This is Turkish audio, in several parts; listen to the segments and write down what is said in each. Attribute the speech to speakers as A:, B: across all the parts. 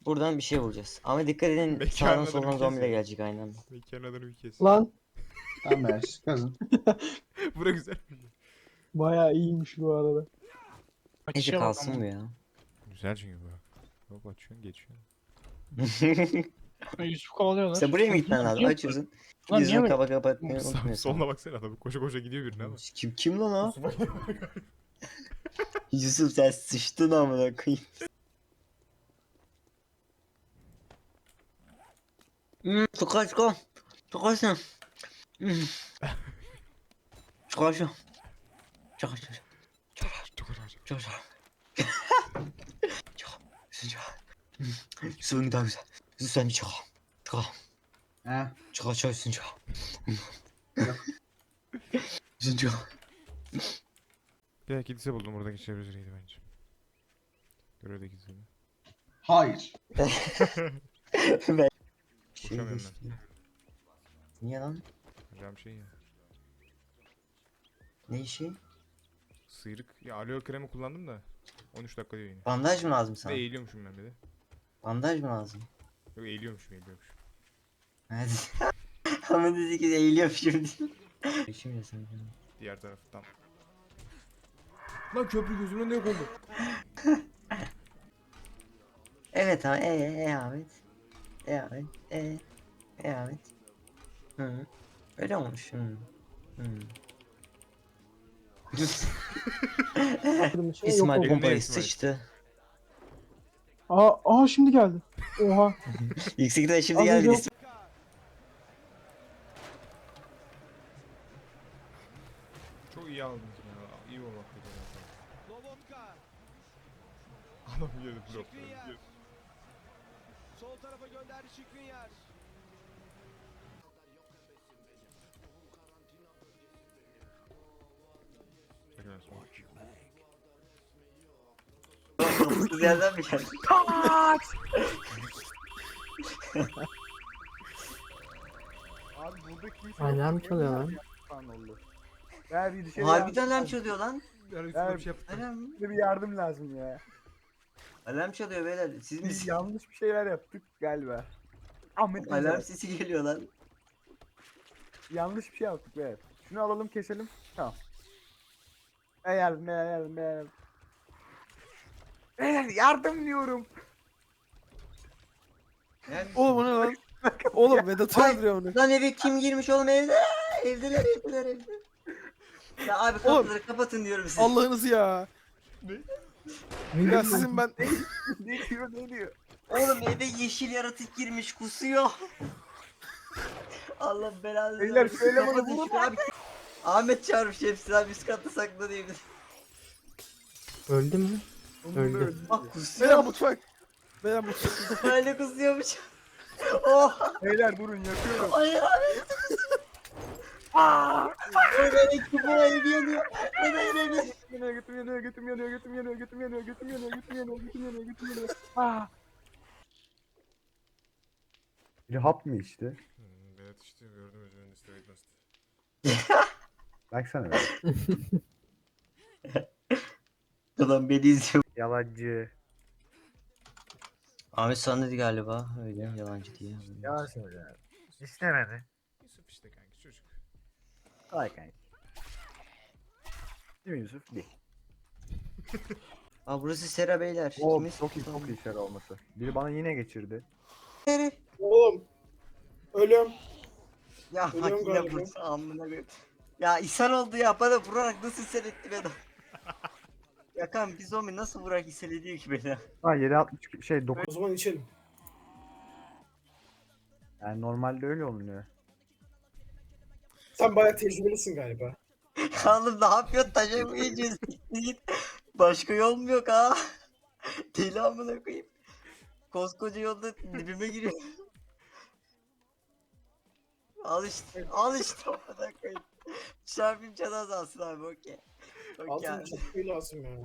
A: Buradan bir şey bulacağız. Ama dikkat edin
B: Mekanın
A: sağdan
B: adını
A: soldan
B: bir
A: zombi de
B: kes ya.
A: gelecek aynı anda.
B: Mekanın adını bir kes.
C: Lan
D: Tamam be kazın.
B: Bura güzel.
C: bayağı iyiymiş bu arada.
A: Neyse
E: Açışa bak
A: kalsın
E: ama.
A: bu ya.
B: Güzel çünkü bu. Hop açıyorsun geçiyorsun.
E: Yusuf kovalıyorlar.
A: İşte buraya mı gitmen lazım?
E: Niye-
A: Açıyorsun.
E: Lan niye
A: Yüzünü
E: böyle?
A: kapa kapatmayı
B: Sağ,
A: unutmuyorsun.
B: soluna baksana adam koşa koşa gidiyor birine ama.
A: Kim lan o? Yusuf sen sıçtın amına koyayım. Tukaç kom. Tukaç sen. Tukaç sen. Tukaç sen.
B: Çok acayip.
A: Çok çok. Çok. Suyun daha güzel. Sen çok. Çok.
D: He.
A: Çok çok sen çok.
D: Yok.
A: Sen çok.
B: Bir dakika kilise buldum oradaki çevresiydi bence. Görevde kilise.
D: Hayır.
A: Ben.
B: Koşamıyorum ben.
A: Niye lan?
B: Hocam şey ya.
A: Ne işi?
B: Sıyrık. Ya aloe kremi kullandım da. 13 dakika diyor yine.
A: Bandaj mı lazım
B: Bir de
A: sana?
B: eğiliyormuşum ben bir de.
A: Bandaj mı lazım?
B: Yok eğiliyormuşum.
A: Hadi. Ama dedi ki eğiliyorum şimdi. Şimdi sen.
B: Diğer taraftan. Lan köprü gözümün önünde yok oldu.
A: Evet abi. Ahmet. Ahmet. Ahmet. Hı. Öyle olmuş. Hı. Hı.
C: Kırmızı şey yok
A: İsmail
C: oldu.
A: pompayı
B: İsmail.
A: sıçtı.
C: Aa şimdi geldi. Oha.
A: Yüksekten şimdi
C: Az
A: geldi.
C: önce-
B: Çok iyi aldınız ya. İyi olmak lazım. Adam yedi blok.
F: Sol tarafa gönderdi Şikrinyar.
A: Kız yerden mi geldi?
G: Abi burada kimse
C: Alarm çalıyor lan.
G: falan oldu. Ver bir dışarı
A: Harbiden alarm çalıyor lan.
B: Yani üstüne bir şey yaptım.
A: Alarm.
G: bir yardım lazım ya.
A: Alarm çalıyor beyler. Siz
G: Biz
A: misiniz?
G: yanlış bir şeyler yaptık galiba. Ahmet
A: Alarm
G: Alarm.
A: sesi geliyor lan.
G: Yanlış bir şey yaptık be. Şunu alalım keselim. Tamam. Yardım. Beyler yardım diyorum.
C: Oğlum o ne lan? Oğlum Vedat'ı
A: Ay.
C: öldürüyor onu.
A: Lan eve kim girmiş oğlum evde? Evdeler. Ya abi kapıları kapatın diyorum size.
C: Allah'ınızı ya.
B: Ne?
C: Ya sizin ben...
G: ne diyor?
A: Oğlum eve yeşil yaratık girmiş kusuyor. Allah belanı
G: Beyler,
A: versin.
G: şöyle bana
A: Kapatın
G: vurun
A: şunu abi. Ahmet çağırmış hepsini abi üst katta saklanıyor.
C: Öldü mü? Öldü.
A: Bak kusuyor.
C: mutfak. Beyler mutfak.
A: Öyle kusuyormuş. Oh.
G: Beyler durun yakıyorum.
A: Ay abi. Aaa. Böyle ekip buraya yanıyor.
G: Götüm yanıyor.
H: Bir hap mı içti?
B: Evet işte gördüm üzerinde straight bastı.
H: Baksana be.
A: Adam beni izliyor.
H: Yalancı.
A: Ahmet sana dedi galiba öyle yalancı diye.
H: Yalan söylüyor. İstemedi.
B: Yusuf işte kanki çocuk.
H: Kolay kanki. Değil mi Yusuf? Değil.
A: Aa burası Sera beyler.
H: Oo,
A: Kimiz?
H: çok iyi şer olması. Biri bana yine geçirdi.
C: Oğlum. Ölüyorum.
A: Ya
C: Ölüyorum
A: bak yine
C: galiba.
A: vurdu amına koyayım. Ya ishal oldu ya bana vurarak nasıl ishal etti beni. Ya kan bir zombi nasıl vurarak ishal ediyor ki beni?
H: Ha 760 şey 9.
C: O zaman içelim.
H: Yani normalde öyle olunuyor.
C: Sen bayağı tecrübelisin galiba.
A: Oğlum ne yapıyorsun taşa mı geçiyorsun? Git. Başka yol mu yok ha? Deli amına koyayım. Koskoca yolda dibime giriyor. Al işte amına koyayım. Çarpayım canı azalsın abi okey. Okey
C: Altın
A: abi.
C: çakmayı lazım ya.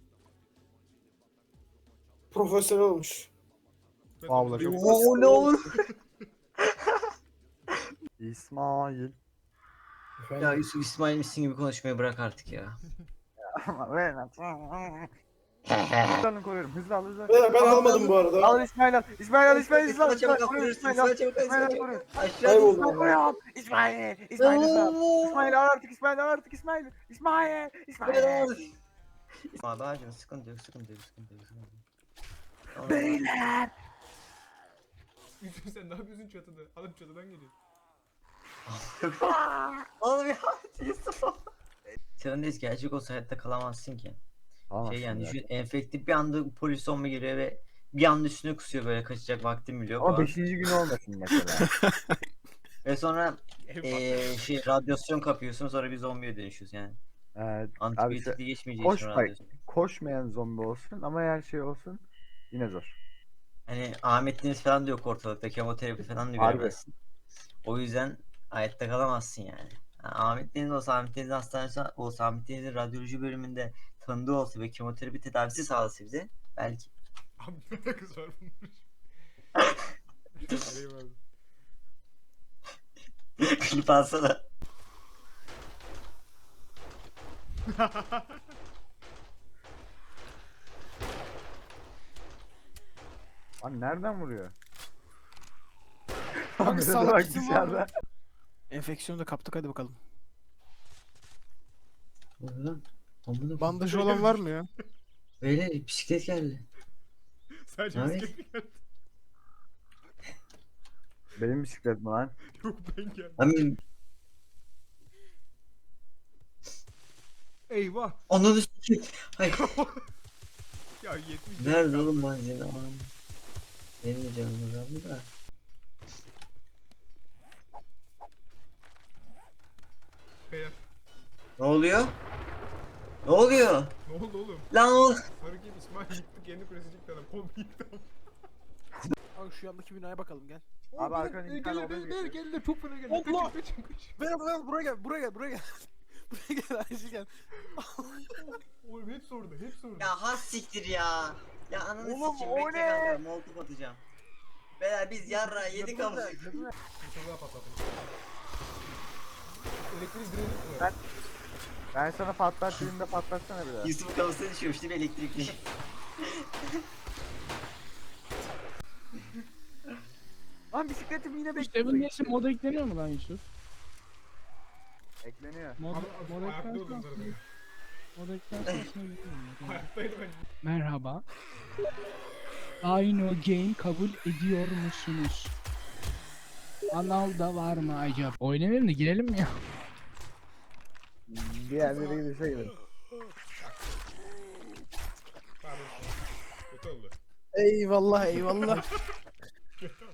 C: Profesyonel olmuş.
H: Abla çok
A: Oo ne olur.
H: İsmail.
A: Ya Yusuf İsmail misin gibi konuşmayı bırak artık ya.
H: Ama ben Hızlı alın koruyorum. Hızlı al hızlı al.
C: Beyler ben almadım bu arada.
H: Al İsmail al. İsmail al İsmail
A: İsmail
H: al.
A: çabuk al,
H: koruyorum,
A: İsmail
H: İsmail al.
A: çabuk al,
H: İsmail al
A: İsmail
H: koruyorum.
A: Aşağıda
C: Kayboldum.
A: İsmail.
H: Koruyorum. İsmail. İsmail al. İsmail al artık İsmail al artık İsmail. İsmail. İsmail.
A: Abi hacım sıkıntı yok, sıkıntı yok, sıkıntı yok. Sıkıntı yok. Tamam.
H: Beyler.
B: Yusuf sen ne yapıyorsun çatıda? Adam çatıdan geliyor.
A: Oğlum ya Yusuf. Çarındayız, gerçek olsa hayatta kalamazsın ki. Şey yani düşün, enfektif bir anda polis olma geliyor ve bir anda üstüne kusuyor, böyle kaçacak vaktim bile yok.
H: Ama
A: falan.
H: 5. gün olmasın mesela.
A: Ve sonra şey radyasyon kapıyorsun, sonra bir zombiye dönüşüyorsun yani.
H: Abi
A: Antibiyotikli geçmeyeceği
H: koş
A: için
H: bak.
A: radyasyon.
H: Koşmayan zombi olsun ama her şey olsun yine zor.
A: Hani Ahmet Deniz falan da yok ortalıkta, kemoterapi falan da
H: Harbi.
A: göremezsin. O yüzden hayatta kalamazsın yani. Ha, Ahmet Deniz olsa, Ahmet Deniz'in hastanesi olsa, Ahmet Deniz'in radyoloji bölümünde tanıdığı olsa ve kemoterapi tedavisi sağlasa bize belki.
B: Abi ne alakası var bunun? Eyvallah.
A: Klip alsana.
H: Lan nereden vuruyor?
E: Bak,
H: Ahmet'e
E: salak
H: bak
E: bizim
H: dışarıda.
E: Enfeksiyonu da kaptık, hadi bakalım.
A: Lan, amına
E: Bandajı olan var mı ya?
A: Beyler bisiklet geldi.
B: Sadece
A: Evet.
B: bisiklet geldi.
H: Benim bisiklet mi lan?
B: Yok ben geldim.
A: Abi
B: Eyvah.
A: ananı sikeyim. Hayır.
B: Ya 70.
A: Nerede oğlum malzeme? Aman. Benim de canım azaldı da.
B: Beyler.
A: Ne oluyor? Ne oluyor?
B: Ne oldu oğlum?
A: Lan oğlum.
B: Hareket İsmail yıktı, kendi kulesi yıktı adam. Kombi yıktı adam.
E: Bak şu yandaki binaya bakalım, gel.
H: Abi arkadan iki tane odaya
B: Gel
H: geçiyor.
B: gel çok fena geldi.
E: Allah!
B: Kaçın kaçın.
E: Berat buraya gel, buraya gel, buraya gel. Buraya gel, Ayşe gel.
B: Oğlum hepsi orada, hepsi orada.
A: Ya has siktir ya. Ya ananı
H: Oğlum,
A: sikeyim,
H: o
A: bekle
H: ne?
A: kanka, molotof atacağım. Beyler biz yarra yedik ama.
B: Bir tane daha patlattım. Elektrik direği mi?
H: Ben sana patlat dediğimde patlatsana bir daha.
A: Yusuf'un kafasına düşüyormuş değil mi elektrikli?
H: Lan bisikletim yine
I: Seven
H: bekliyor.
I: Days'in moda ekleniyor mu lan Yusuf?
H: Ekleniyor.
I: Mod, mod
B: Ayakta
I: eklense
B: oldum
I: aslında,
B: zaten.
I: mod eklense aslında bilmiyorum.
B: Hayattaydı ben.
I: Merhaba. Aynı game kabul ediyor musunuz? Anal da var mı acaba? Oynamayalım da girelim mi ya?
H: Bir yerlere gidişe gidelim.
B: Pardon. Kötü oldu.
E: Eyvallah, eyvallah.